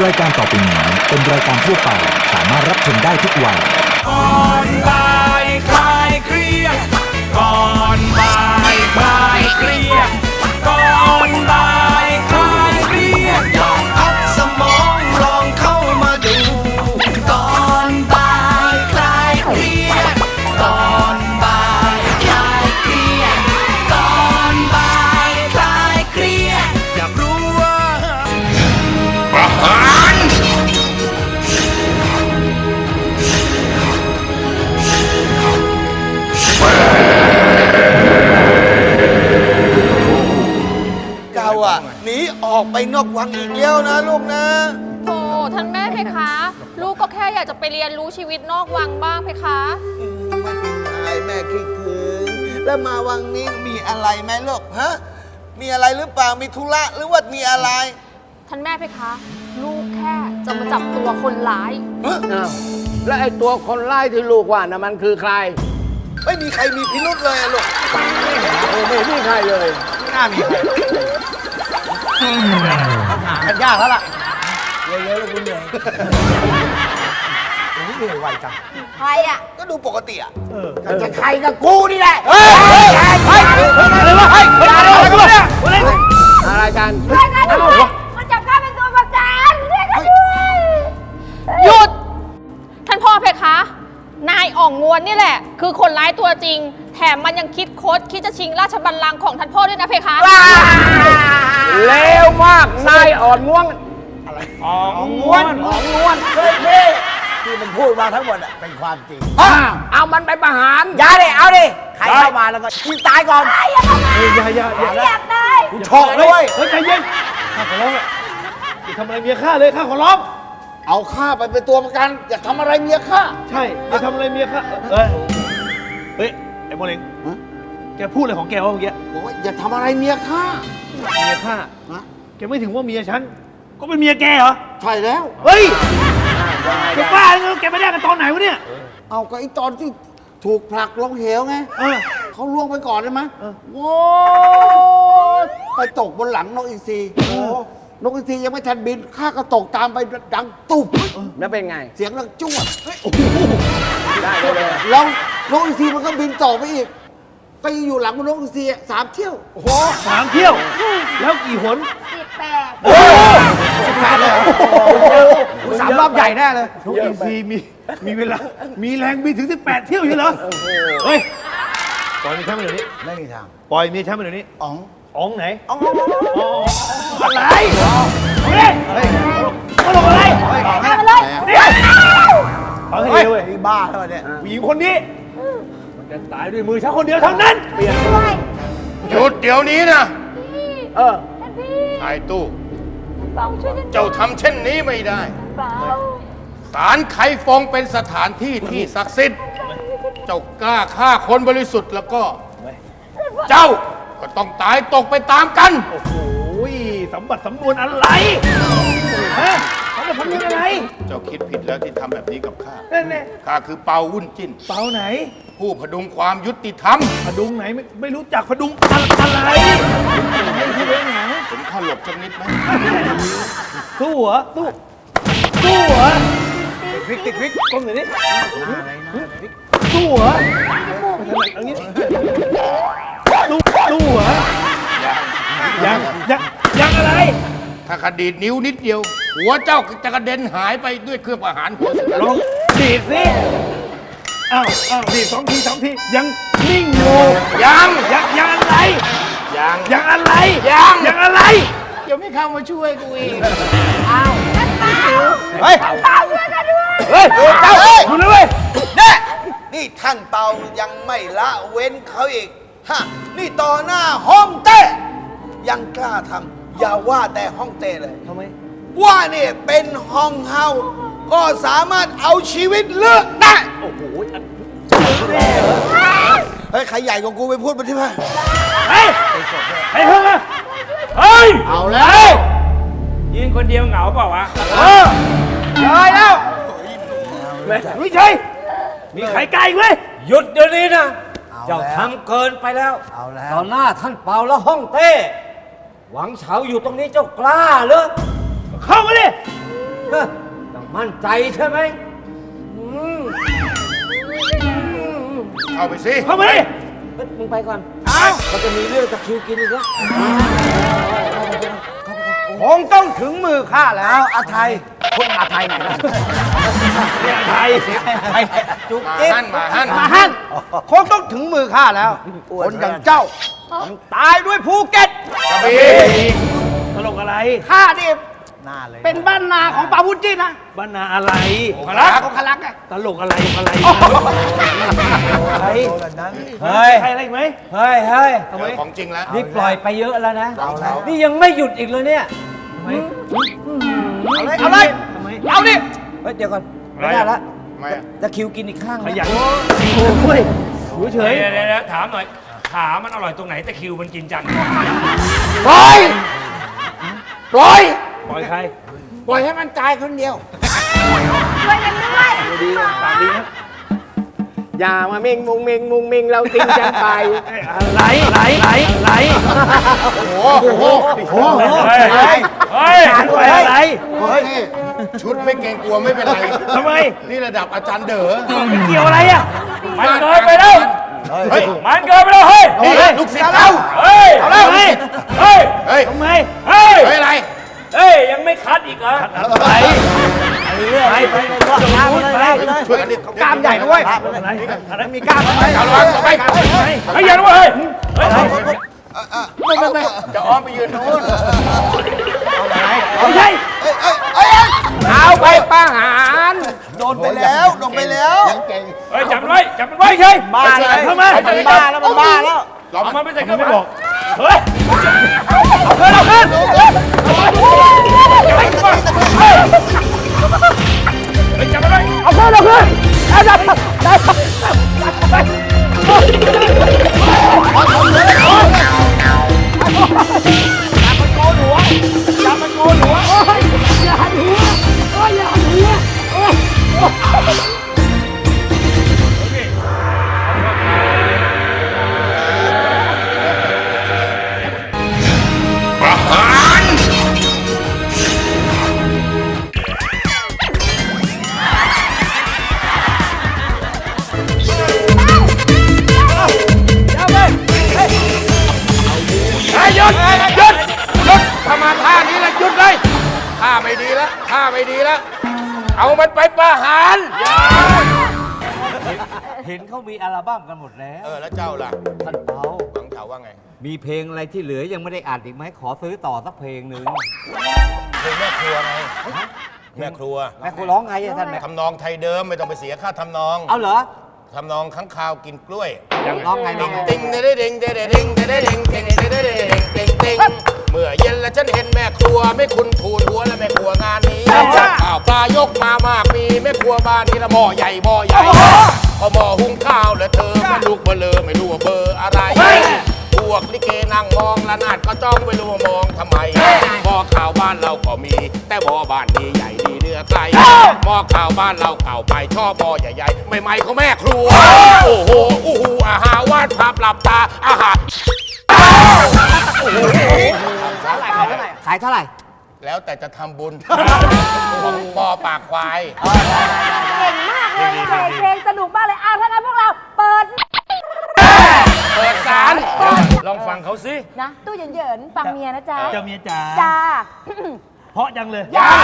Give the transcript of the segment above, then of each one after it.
รายการต่อไปนี้เป็นรายการทั่วไปสามารถรับชมได้ทุกวัยก่อนบ่ายคลายเครียดก่อนบ่ายคลายเครียดก่อนบ่ายคลายเครียดลองพักสมองลองเข้ามาดูก่อนบ่ายคลายเครียดก่อนบ่ายคลายเครียดก่อนบ่ายคลายเครียดอยากรู้ว่าประหารหนีออกไปนอกวังอีกแล้วนะลูกนะโธ่ท่านแม่เพคะ ลูกก็แค่อยากจะไปเรียนรู้ชีวิตนอกวังบ้างเพคะไม่เป็นไรแม่คิดถึงแล้วมาวังนี้มีอะไรไหมลูกฮะมีอะไรหรือเปล่ามีธุระหรือว่ามีอะไรท่านแม่เพคะ ลูกแค่จะมาจับตัวคนร้ายแล้วไอ้ตัวคนร้ายที่ลูกว่านะมันคือใครไม่มีใครมีพิรุธเลยลูกไม่มีใครเลยไม่น่ามีใครหากันยากแล้วล่ะเยอะๆแล้วคุณเหนื่อยเหนื่อยไวจังใครอ่ะก็ดูปกติอ่ะจะใครกับกูนี่แหละอะไรวะอะไรกันมันจับข้าเป็นตัวประกันเรียกกันด้วยหยุดท่านพ่อเพคะนายอ่องงวนนี่แหละคือคนร้ายตัวจริงแถมมันยังคิดจะชิงราชบัลลังก์ของท่านพ่อด้วยนะเพคะเลวมากนายอ่อนง่วงอะไรอ่องง่วนที่มันพูดมาทั้งหมดเป็นความจริงเอามันไปประหารอย่าดิเอาดิใครเข้ามาแล้วก็ยิงตายก่อนอย่าอยากได้กูชอบด้วยเฮ้ยใจเย็นข้าขอร้องอย่าทำอะไรเมียข้าเลยข้าขอร้องเอาข้าไปเป็นตัวประกันอย่าทำอะไรเมียข้าใช่อย่าทำอะไรเมียข้าเฮ้ยไอ้โมเลงแกพูดอะไรของแกวะเมื่อกี้บอกว่าอย่าทำอะไรเมียข้าแกไม่ถึงว่าเมียฉันก็เป็นเมียแกเหรอใช่แล้วเฮ้ยแกบ้าเลยแกไม่ได้กันตอนไหนวะเนี่ยเอาก็ไอ้ตอนที่ถูกผลักลงเหวไงเขาล่วงไปก่อนใช่ไหมโว้ไปตกบนหลังนกอินทรีนกอินทรียังไม่ทันบินข้าก็ตกตามไปดังตุ๊บแล้วเป็นไงเสียงดังจ้วดได้เลยแล้วนกอินทรีมันก็บินต่อไปอีกก็ยังอยู่หลังนกอินทรี3 เที่ยวโอ้โห3 เที่ยวแล้วกี่หน 18 โอ้18เลยเหรอ 3 รอบใหญ่แน่เลยนกอินทรีมีเวลามีแรงบินถึง18 เที่ยวอยู่เหรอเฮ้ยปล่อยเมียฉันไปเดี๋ยวนี้ไม่มีทางปล่อยเมียฉันไปเดี๋ยวนี้อ๋องไหนอ๋องอะไรเฮ้ยมาลงอะไรมาเลยเดี๋ยวเอาให้เร็วเว้ยบ้าแล้วเนี่ยผู้หญิงคนนี้มันจะตายด้วยมือฉันคนเดียวเท่านั้นเปลี่ยนหยุดเดี๋ยวนี้นะชายตู้เจ้าทำเช่นนี้ไม่ได้ศาลไคฟงเป็นสถานที่ที่ศักดิ์สิทธิ์เจ้ากล้าฆ่าคนบริสุทธิ์แล้วก็เจ้าก็ต้องตายตกไปตามกันโอ้โหสมบัติสำนวนอะไรฮะสมบัติสำนวนอะไรเจ้าคิดผิดแล้วที่ทำแบบนี้กับข้านั่นแน่ข้าคือเปาวุ่นจิ้นเปาไหนผู้พดุงความยุติธรรมพดุงไหนไม่รู้จักพดุงอะไรที่เรื่องไหนผมข้าหลบสักนิดไหมสู้เหรอสู้เหรอพริกก้มหน่อยดิสู้เหรออันนี้สู้เหรอยังอะไรถ้าขดีดนิ้วนิดเดียวหัวเจ้าจะกระเด็นหายไปด้วยเครื่องประหารหัวลองดีดสิอ้าวดีด2 ทียังนิ่งอยู่ยังอะไรยังอะไรเดี๋ยวไม่เข้ามาช่วยกูอีกอ้าวเฮ้ยเปาช่วยกันด้วยเฮ้ยเจ้าอยู่เลยเว้ยนี่ท่านเปายังไม่ละเว้นเขาอีกฮะนี่ต่อหน้าฮ่องเต้ยังกล้าทำอย่าว่าแต่ฮ่องเต้เลยทำไมว่าเนี่ยเป็นฮ่องเฮาก็สามารถเอาชีวิตเลือกได้โอ้โหเฮ้ยใครใหญ่กว่ากูไปพูดมาที่ไหนเฮ้ยเพิ่งมาเฮ้ยเอาแล้วยืนคนเดียวเหงาเปล่าวะเลยแล้วไม่ใช่มีใครไกลไหมหยุดเดี๋ยวนี้นะเจ้าทำเกินไปแล้วต่อหน้าท่านเปาและฮ่องเต้หวังเฉาอยู่ตรงนี้เจ้ากล้าเหรอเข้ามาดิต้องมั่นใจใช่ไหมเข้าไปสิเข้ามาดิเฮ้ยมึงไปก่อนเขาจะมีเรื่องตะคริวกินอีกแล้วคงต้องถึงมือข้าแล้วอาไทยคนอาไทยไหนล่ะเนี่ยอาไทยจุกมาจิ๊บหั่นมาหั่นมาฮั่นคงต้องถึงมือข้าแล้ว คนอย่างเจ้าต้องตายด้วยภูเก็ตกระบี่ตลกอะไรข้าดิเป็นบ้านนาของปาวุฒินะบ้านนาอะไรพลักของคลักไงตลกอะไรอะไรอะไรเฮ้ยใครอะไรอีกไหมเฮ้ยเฮ้ยเจอของจริงแล้วนี่ปล่อยไปเยอะแล้วนะเอาแล้วนี่ยังไม่หยุดอีกเลยเนี่ยเอาเลยทำไมเอาดิเฮ้ยเดี๋ยวก่อนไม่ได้ละไม่อะตะคริวกินอีกข้างขนะยันโอ้ยอยู่เฉยเดี๋ยวถามหน่อย ขามันอร่อยตรงไหนแต่คิวมันกินจังปล่อยปล่อยปล่อยใครปล่อยให้มันตายคนเดียวช่วยกันด้วยปากดีนะอย่ามาเม่งมุงเม่งมุงเม่งเราติ้งกันไปไหลไหลโอ้โหเฮ้ย เฮ้ยอะไรเฮ้ยนี่ชุดไม่เกรงกลัวไม่เป็นไรทำไมนี่ระดับอาจารย์เด๋อไม่เกี่ยวอะไรอ่ะมันเกินไปแล้วเฮ้ยมันเกินไปแล้วเฮ้ยนี่ลูกศิษย์เราเฮ้ยเอาแล้วไงเฮ้ยเฮ้ยทำไมเฮ้ยเฮ้ยอะไรเฮ้ย ยังไม่คัดอีกเหรออะไรไปช่วยกันดิกล้ามใหญ่ด้วยอะไรอะไรมีกล้ามไหมเอาระวังต่อไปเฮ้ยอย่าด้วยเฮ้ยจะอ้อมไปยืนโน้นไม่ใช่เอาไปประหารโดนไปแล้วโดนไปแล้วยังเก่งเฮ้ยจับมันไว้จับมันไว้ไม่ใช่บ้าเลยทำไมมันบ้าแล้วมันบ้าแล้วเราเอามามันไม่ใส่เคมัรื่อน งไม่บบ ออก กเฮ้ยเอาขึ้นเฮ้ยจับมันไว้เอาขึ้นเอาขึ้นได้ได้ได้หยุดถ้ามาท่านี้แล้วหยุดเลยท่าไม่ดีแล้วท่าไม่ดีแล้ว เอามันไปประหารเห็นเขามีอัลบั้มกันหมดแล้วแล้วเจ้าล่ะท่านเปาหวังเจ้าว่าไงมีเพลงอะไรที่เหลือยังไม่ได้อัดอีกไหมขอซื้อต่อสักเพลงหนึ่งเพลงแม่ครัวไงแม่ครัวแม่คุณร้องไงอะท่านแม่ทำนองไทยเดิมไม่ต้องไปเสียค่าทำนองเอาเหรอทำนองข้างคาวกินกล้วยร้องไงร้องไงติงเด้เด้งเด้เด้เด้งเด้เด้เด้งเด้เด้เด้เด้งเด้งเด้งเมื่อเย็นแล้วฉันเห็นแม่ครัวไม่คุณทูนหัวและแม่ครัวงานนี้ข้าวปลายกมามากมีแม่ครัวบ้านนี้ละหม้อใหญ่พอหม้อหุงข้าวแล้วเธอไม่ลูกเบลอไม่รู้ว่าเบอร์อะไรพวกลิเกนั่งมองละนาดก็จ้องไม่รู้ว่ามองทำไมหม้อข้าวบ้านเราก็มี แต่หม้อบ้านนี้ใหญ่ดีเนื้อไกลหม้อข้าวบ้านเราเก่าไปชอบหม้อใหญ่ๆใหม่ๆของแม่ครัวโอ้โหอู้หูอาหารวาดภาพหลับตาอาหารขายเท่าไหร่แล้วแต่จะทำบุญของปอปากควายเก่งมากเลยเปิดเพลงสนุกมากเลยอ้าวถ้างั้นพวกเราเปิดเปิดสารลองฟังเขาสินะ ตู้เหยินๆฟังเมียนะจ๊ะเจ้าเมียจ๋าจ้าเพราะจังเลย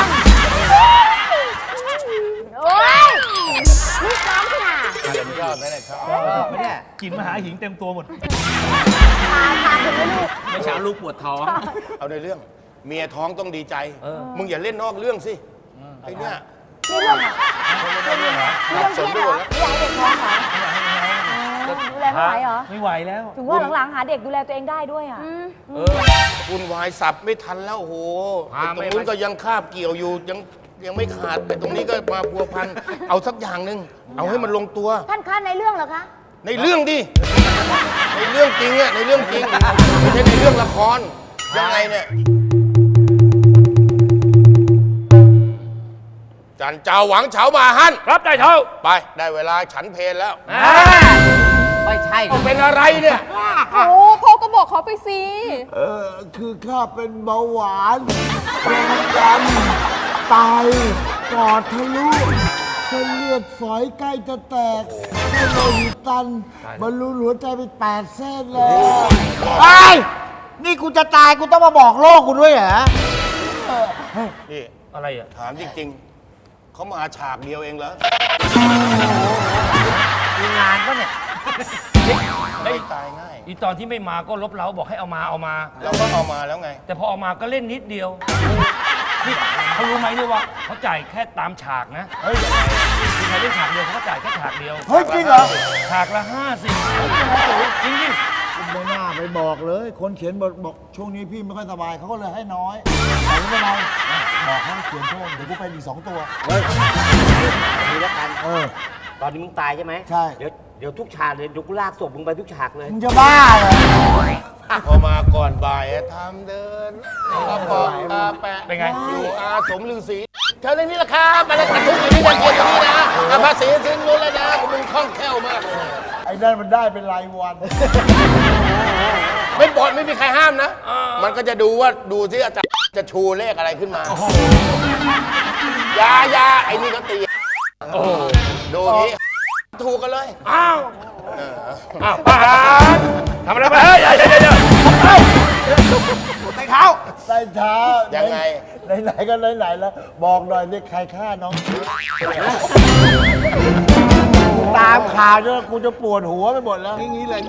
โอ้ยนี่ซ้อมขนาดยอดไหมเนี่ยครับกลินมหาหิงเต็มตัวหมดทานถึงไม่รู้ไม่เช้าลูกปวดท้องเอาในเรื่อง เมียท้องต้องดีใจ มึงอย่าเล่นนอกเรื่องสิไอ้เนี่ยมีเรื่องเหรอมีเรื่องสเคนรียดไปเหหรมอดแล้วไม่อยากให้เด็กท้องเหรอดูแลไม่ไหวเหรอไม่ไหวแล้วถึงว่าหลังๆหาเด็กดูแลตัวเองได้ด้วยอ่ะคุณวายสับไม่ทันแล้วโอ้โหไอ้ตรงนู้นก็ยังคาบเกี่ยวอยู่ยังไม่ขาดไอ้ตรงนี้ก็มาพัวพันเอาสักอย่างหนึ่งเอาให้มันลงตัวท่านคะในเรื่องเหรอคะในเรื่องดิ ในเรื่องจริงอะในเรื่องจริง ไม่ใช่ในเรื่องละคร ยังไงเนี่ย จันเจ้าหวังเฉามาฮั่นครับได้เท่าไป ได้เวลาฉันเพลแล้วไม่ใช่เป็นอะไรเนี่ยโอ้พ่อก็บอกเขาไปสิคือข้าเป็นเบาหวานความดันตายปอดทะลุเส้นเลือดฝอยใกล้จะแตกเส้นโลหิตตันบรรลุหัวใจไป8 เส้นเลยไอ้นี่กูจะตายกูต้องมาบอกโลกกูด้วยเหรอนี่อะไรอ่ะถามจริงๆ เขามาฉากเดียวเองเหรอมีงานปะเนี่ยไม่ตายง่ายอีตอนที่ไม่มาก็ลบเล้าบอกให้เอามาแล้วก็เอามาแล้วไงแต่พอเอามาก็เล่นนิดเดียว นี่เขารู้ไหมเนี่ยว่าเขาจ่ายแค่ตามฉากนะ เฮ้ยใครเล่นฉากเดียวเขาก็จ่ายแค่ฉากเดียวเฮ้ยจริงเหรอฉากละ50จริงไม่น่าไปบอกเลย คนเขียนบทบอกช่วงนี้พี่ไม่ค่อยสบายเขาก็เลยให้น้อยแต่ไม่เป็นไรบอกให้เขียนเพิ่มเดี๋ยวกูเป็นอีก2 ตัวมีแล้วกัน ตอนนี้มึงตายใช่ไหมใช่เดี๋ยวทุกฉากเลยเดี๋ยวกูลากศพมึงไปทุกฉากเลยมึงจะบ้าเหรอพอมาก่อนบ่ายทำเดินกระป๋องกาแปะเป็นไงอยู่อาสมฤาษีเธอเรื่องนี้ละครับมาเลยกระทุ้งอย่างนี้จะเกียรติอย่างนี้นะภาษีสิ้นนู้นแล้วนะมึงคล่องแคล่วมากเลยไอ้นั่นมันได้เป็นรายวันไม่บอดไม่มีใครห้ามนะ มันก็จะดูที่อาจารย์จะชูเลขอะไรขึ้นมา ยาไอ้นี่ก็ตีดูอย่างนี้ถูกกันเลยอ้าวประหารทำอะไรไปเฮ้ยเดี๋ยวใต้เท้ายังไงไหนๆก็ไหนๆแล้ว บอกหน่อยนี่ใครฆ่าน้อง ตามข่าวด้วยกูจะปวดหัวไปหมดแล้วนี่เลย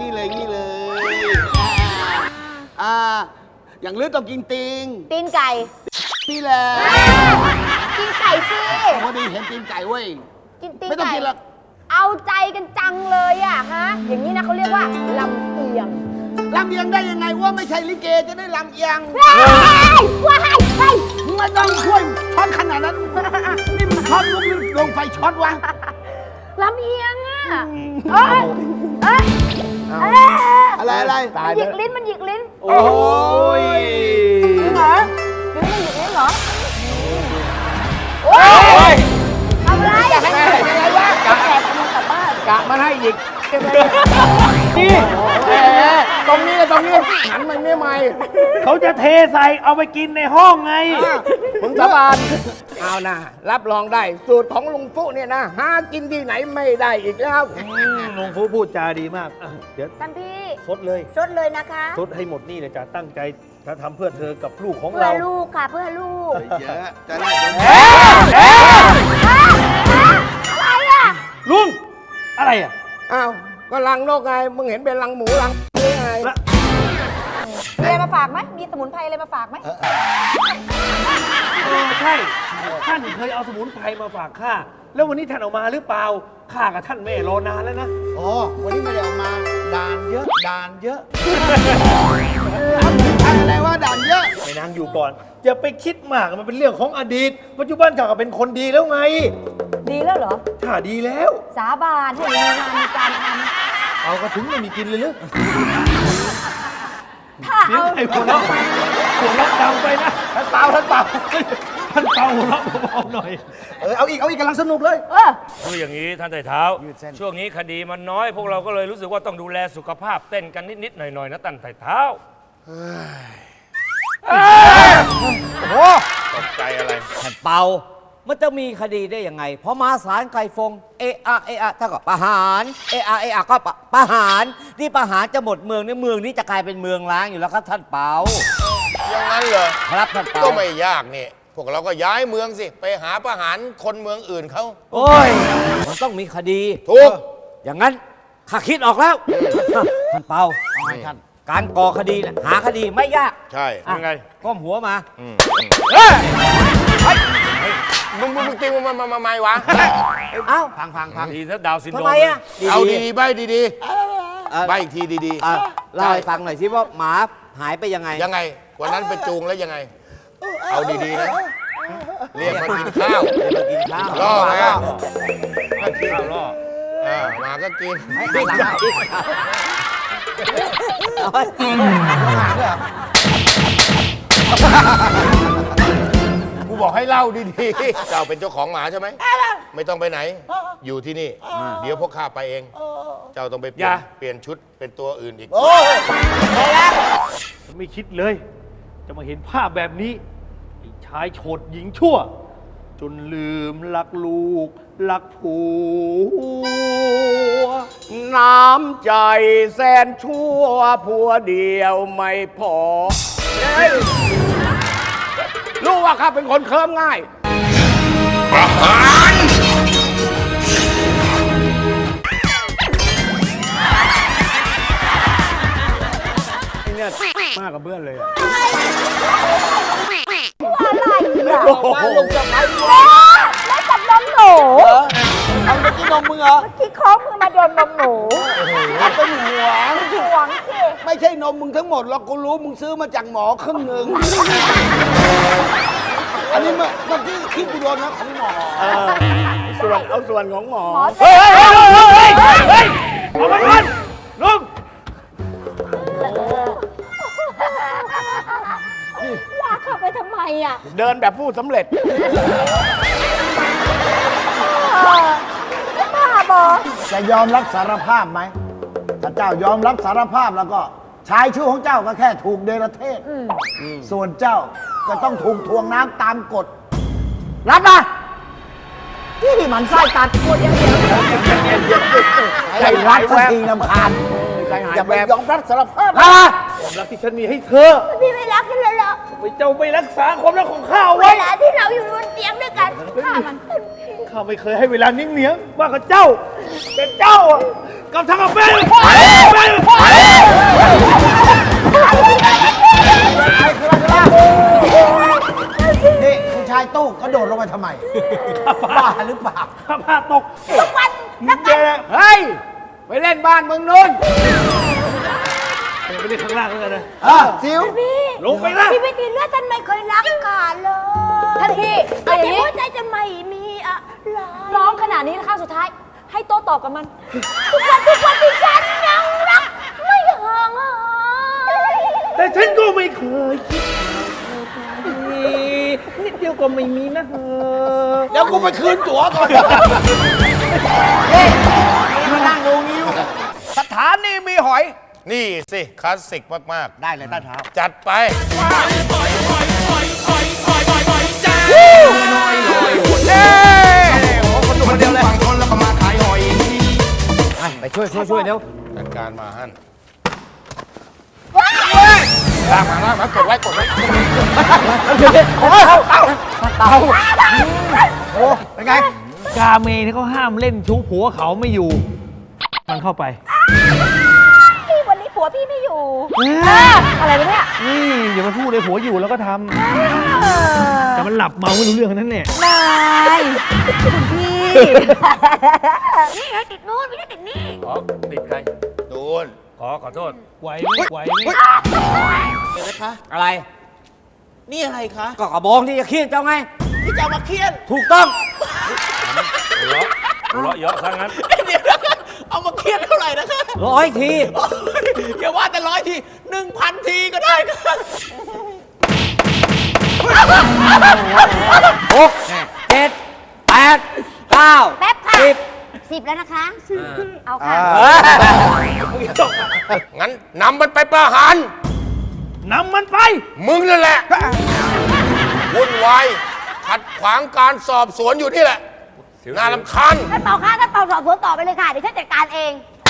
อย่างลือต้องกินติงตีนไก่นี่แหละกินไก่สิพอดีเห็นตีนไก่เว้ยกินตีนไม่ต้องไก่กินหรอกเอาใจกันจังเลยอะฮะ อย่างนี้นะเขาเรียกว่าลำเอียงลำเอียงได้ยังไงว่าไม่ใช่ลิเกจะได้ลำเอียงว้ายว้ายว้ายไม่ต้องช่วยช็อตขนาดนั้น นี่มันช็อตลูกลงไฟช็อตวะลำเอียงอะเอ้ยเอ้ยเอ้ยอะไรมันหยิกลิ้นมันหยิกลิ้นโอ้ยจริงเหรอจริงมันหยิกลิ้นเหรอโอ้ยทำไรอยากให้อะไรวะแอบเอามันกลับบ้านกะมาให้หยิกนี่ตรงนี้หันมาไม่ใหม่เขาจะเทใส่เอาไปกินในห้องไงมึงสาบานเอานะรับรองได้ สูตรของลุงฟุเนี่ยนะหากินที่ไหนไม่ได้อีกแล้วลุงฟูพูดจาดีมากอ่ะเดี๋ยวท่านพี่ซดเลยชดเลยนะคะซดให้หมดนี่เลยจ้ะตั้งใจจะทำเพื่อเธอกับลูกของเพื่อเราลูกค่ะเพื่อลูกเยอะจะได้อะไรอ่ะลุง อะไรอ่ะอ้าวก็ลังนกไง มึงเห็นเป็นลังหมูลังนี่ไงมีอะไรมาฝากไหมมีสมุนไพรอะไรมาฝากไหมใช่ ท่านเคยเอาสมุนไพรมาฝากข้า แล้ววันนี้ท่านเอามาหรือเปล่า ข้ากับท่านแม่รอนานแล้วนะอ๋อ วันนี้ไม่ได้ออกมาด่านเยอะอะไรว่าด่านเยอะไปนางอยู่ก่อน อย่าไปคิดมากมันเป็นเรื่องของอดีต ปัจจุบันข้าก็เป็นคนดีแล้วไงดีแล้วเหรอข้าดีแล้วสาบานให้มีงานมีการทเอากระถึงไม่มีกินเลยหรือำถ้าเสียงเอาไอ้หัวเราะดังไปนะท่านเปล่าหัวเราะเบาๆหน่อยเอาอีกกำลังสนุกเลยคืออย่างนี้ท่านไต่เท้า ช่วงนี้คดีมันน้อย พวกเราก็เลยรู้สึกว่าต้องดูแลสุขภาพเต้นกันนิดๆหน่อยๆนะท่านไต่เท้าตกใจอะไรท่านเปามันจะมีคดีได้ยังไงพอมาศาลไก่ฟงเอะถ้าก็ประหารเอะก็ประหารนี่ประหารจะหมดเมืองนี่เมืองนี้จะกลายเป็นเมืองล้างอยู่แล้วครับท่านเปาอย่างนั้นเหรอครับท่านเปาก็ไม่ยากนี่ พวกเราก็ย้ายเมืองสิ ไปหาประหารคนเมืองอื่นเขาโอ้ยมันต้องมีคดีถูกอย่างนั้นข้าคิดออกแล้ว ท่านเปาการก่อคดีน่ะหาคดีไม่ยากใช่อ่ะยังไงก้มหัวมามึงตีมันมาไม่วะเอ้าพังดีถ้าดาวน์ซินโดรทำมไมอ่ะเอาดีๆใบดีเอ่อๆใบอีกทีดีอ่ะเล่าให้ฟังหน่อยสิว่าหมาหายไปยังไงยังไง วันนั้นไปจูงแล้วยังไง เอาดีๆนะ เรียกมากินข้าวเดี๋ยวไปกินข้าวล่อไงข้าวล่อหมาก็กินให้หันหลังมาอีกเอาไว้กูบอกให้เล่าดีๆ เจ้าเป็นเจ้าของหมาใช่ไหม ไม่ต้องไปไหน อยู่ที่นี่ เดี๋ยวพวกข้าไปเอง เจ้าต้องไปเปลี่ยนชุดเป็นตัวอื่นอีกไม่คิดเลย จะมาเห็นภาพแบบนี้ไอ้ชายโฉดหญิงชั่วจนลืมรักลูกรักผัวน้ำใจแสนชั่วผัวเดียวไม่พอเฮ้ยรู้ว่าข้าเป็นคนเคิมง่ายประหารไอ้เนี่ยมากกับเพื่อนเลยอะมาลงจากไม้แล้วจับนมหนูเอาไปกินนมมึงเหรอเมื่อกี้คล้องมือมาโดนนมหนูเอาเป็นห่วงห่วงสิไม่ใช่นมมึงทั้งหมดหรอกกูรู้มึงซื้อมาจากหมอครึ่งหนึ่งอันนี้เมื่อกี้คิดกูโดนนะของหมอเอาส่วนของหมอหมอเฮ้ยเฮ้ยเฮ้ยเฮ้ยเฮ้ยเอามาก่อนลุงลากเข้าไปทำไมอ่ะเดินแบบผู้สำเร็จบ้าบอจะยอมรับสารภาพไหม ถ้าเจ้ายอมรับสารภาพแล้วก็ชายชื่อของเจ้าก็แค่ถูกเดรเทศ ส่วนเจ้าก็ต้องถูกทวงน้ำตามกฎ รับนะที่มันไส้ตัดกดอย่างเดียวใจรักสักทีลำคาญอย่าไปยอมรับสารภาพนะความรักที่ฉันมีให้เธอพี่ไม่รักกันเลยเหรอไปเจ้าไม่รักษาความรักของข้าเวไว้ลาที่เราอยู่บนเตียงด้วยกันข้ามันข้าไม่เคยให้เวลานิ่งเหนียงว่ากับเจ้า แต่เจ้าอะกับทางกับแฟนนี่คุณชายตู้กระโดดลงไปทำไม บ้าหรือเปล่าข้าพลาดตกทุกวันนักแกเฮ้ย ไปเล่นบ้านมึงนู้นไปเล่นข้างล่างแล้วกันนะซิวพี่ลงไปนะพี่ไม่ตีเลือดท่านไม่เคยรักกันเลยท่านพี่แต่หัวใจจะไม่มีอะไรร้องขนาดนี้นะคะสุดท้าย ให้โต้ตอบกับมัน ทุกวันที่ฉันยังรักไม่ห่างหายแต่ฉันก็ไม่เคยคิดนิดเดียวก็ไม่มีนะเธอเดี๋ยวกูไปคืนตั๋วก่อนมานั่งดูนิ้วสถานีมีหอยนี่สิคลาสสิกมากได้เลยใต้เท้าๆ จัดไปไปช่วยเร็วจัดการมาฮั่นลากมากดไว้เตาโอ้เป็นไงกาเมที่เขาห้ามเล่นชู้ผัวเขาไม่อยู่ มันเข้าไปพี่วันนี้ผัวพี่ไม่อยู่ อะไรวะเนี่ยนี่อย่ามาพูดเลยผัวอยู่แล้วก็ทำแต่มันหลับเมาไม่รู้เรื่องนั้นแหละนายคุณพี่ นี่ไงติดนู่นไม่ได้ติดนี่ขอติดใครดูนขอโทษไหวไหมอะไรนี่อะไรคะก็กระบองที่จะเคี่ยนเจ้าไงที่จะเอามาเคี่ยนถูกต้องหัวเราะเยอะซะงั้นเดี๋ยวนะคะเอามาเคี่ยนเท่าไหร่นะคะ 100 ทีอย่าว่าแต่100 ที 1,000 ทีก็ได้ค่ะ 6 7 8 9 แป๊บค่ะ 10 10 แล้วนะคะ เอาค่ะงั้นนำมันไปประหารนำมันไปมึงนั่นแหละ วุ่นวาย ขัดขวางการสอบสวนอยู่นี่แหละ น่ารำคาญท่านเป่าค่ะท่านเป่าสอบสวนต่อไปเลยค่ะ เดี๋ยวฉันจัดการเอง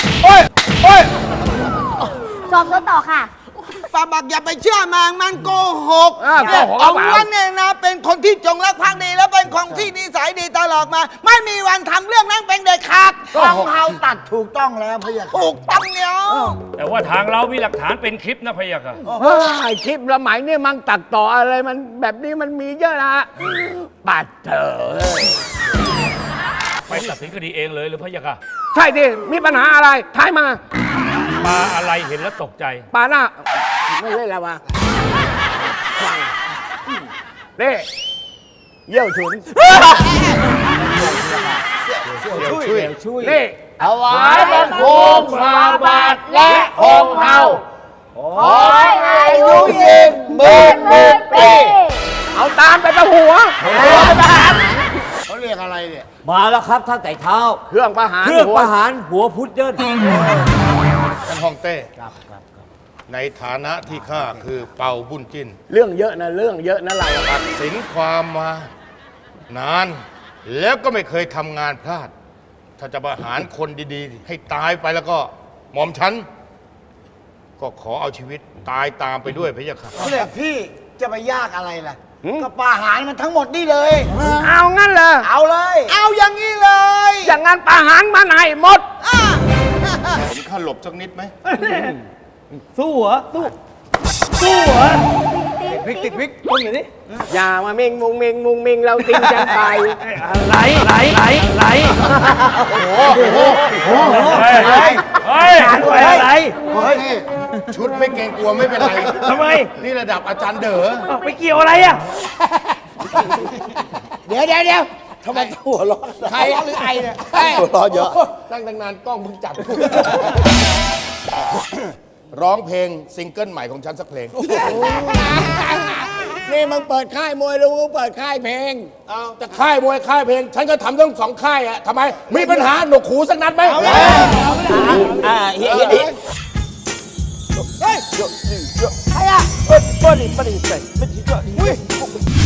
สอบสวนต่อค่ะฝาบักอย่าไปเชื่อมันโกหกโกหกเอาหรือเปล่าวันเนี่ยนะ เป็นคนที่จงรักภักดีแล้วเป็นคนที่นิสัยดีตลอดมา ไม่มีวันทำเรื่องนั้นเป็นเด็ดขาดทางเท้าตัดถูกต้องแล้วพะยะถูกต้องเนาะแต่ว่าทางเรามีหลักฐานเป็นคลิปนะพะยะค่ะเฮ้ยคลิปสมัยนี่มันตัดต่ออะไรมันแบบนี้มันมีเยอะนะปัดเถอะไปตัดสินคดีเองเลยหรือพะยะค่ะใช่ดิมีปัญหาอะไรท้ายมาปลาอะไรเห็นแล้วตกใจปาหน้า ไม่เล่นแล้ววะเน่เยี่ยวฉุนนี่ถวายบังคมฝ่าบาทและองค์เฮาขอให้อายุยืนหมื่นปี เอาตามไปประหัวเขาเรียกอะไรเนี่ยมาแล้วครับท่านไต่เท้าเครื่องประหารเครื่องประหารหัวพุดเดิ้ลท่านฮ่องเต้ ในฐานะที่ข้าคือเป่าบุญจิ้นเรื่องเยอะนะเรื่องเยอะนะเราอะครับสินความมานาน แล้วก็ไม่เคยทำงานพลาด ถ้าจะประหารคนดีๆ ให้ตายไปแล้วก็หม่อมฉัน ก็ขอเอาชีวิตตายตามไปด้วยพะยะค่ะเสด็จพี่จะไปยากอะไรล่ะ ก็ประหารมันทั้งหมดนี่เลยเอางั้นเหรอเอาเลย เอาอย่างนี้เลยอย่างงั้นประหารมันให้หมดผมข้าหลบสักนิดไหมสู้เหรอสู้เหรอพริกติดพริกต้มหน่อยดิอย่ามาเมงมุงเมงมุงเมงเราติ้งกันไปไหลเไหลฮ้ยอะไรชุดไม่เกรงกลัวไม่เป็นไรทำไมนี่ระดับอาจารย์เด๋อไปเกี่ยวอะไรอ่ะเดี๋ยวทำไมหัวร้อนใครหรือไอเนี่ยหัวร้อนเยอะตั้งนานกล้องเพิ่งจัด ร้องเพลงซิงเกิลใหม่ของฉันสักเพลงนี่มึงเปิดค่ายมวยหรือมึงเปิดค่ายเพลงจะค่ายมวยค่ายเพลง ฉันก็ทำทั้งสองค่ายอะทำไม มีปัญหาหนวกหูสักนัดไหมเฮียเฮ้ยใครอะ